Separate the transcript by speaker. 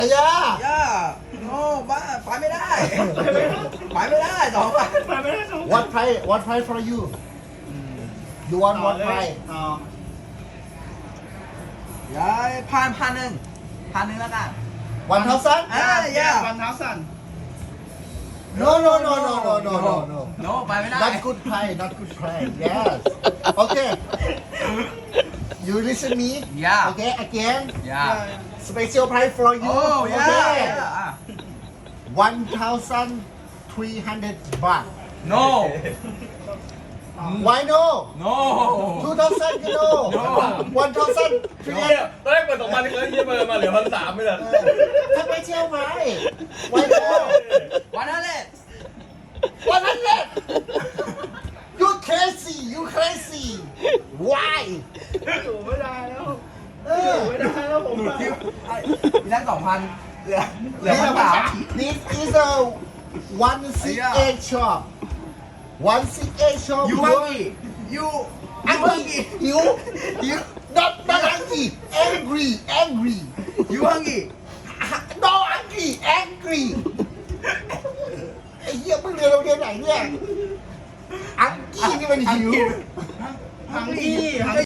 Speaker 1: ย่า
Speaker 2: ย่าโน่บ้าไปไม่ได้ไปไม่ได้2,000
Speaker 3: ไปไม่ได้สอง
Speaker 1: what price for you you want what price
Speaker 3: ต่อ
Speaker 2: ย้ายพันหนึ่งแล้วกัน
Speaker 1: 1,000
Speaker 2: yeah
Speaker 3: วันเท้าสั่น
Speaker 1: no no no no no no no no
Speaker 2: no ไปไม่ได้
Speaker 1: not good price not good price yes okay you listen me
Speaker 2: Yeah.
Speaker 1: okay again
Speaker 2: yeah
Speaker 1: special price for you
Speaker 2: oh yeah
Speaker 1: okay
Speaker 2: yeah
Speaker 1: 1,300 baht
Speaker 2: no
Speaker 1: why no
Speaker 2: no
Speaker 1: 2,000 you know
Speaker 2: No.
Speaker 1: 1,300
Speaker 4: เฮียตอนแรกเปิด2,000แล้วเฮียมาเหลือ1,300ไม่เหรอ
Speaker 1: ถ้าไม่เชี่ยวไหม why no
Speaker 2: วันนั้นแหละ
Speaker 1: 100 you crazy you crazy why
Speaker 3: อยู่ไม่ได้แล้ว
Speaker 1: เออ
Speaker 3: ไม่ได้แล้วผม
Speaker 2: ที่ได้2,000เหลือ
Speaker 1: This is a one CA shop. One CA shop.
Speaker 2: ยูฮังกี้ยู
Speaker 1: Angry. You not angry. Angry.
Speaker 2: ยูฮังกี้
Speaker 1: No angry. ไอ้เหี้ยมึงเรียนโรงเรียนไหนเนี่ย อังกี้นี่มันหิว
Speaker 3: ฮังกี้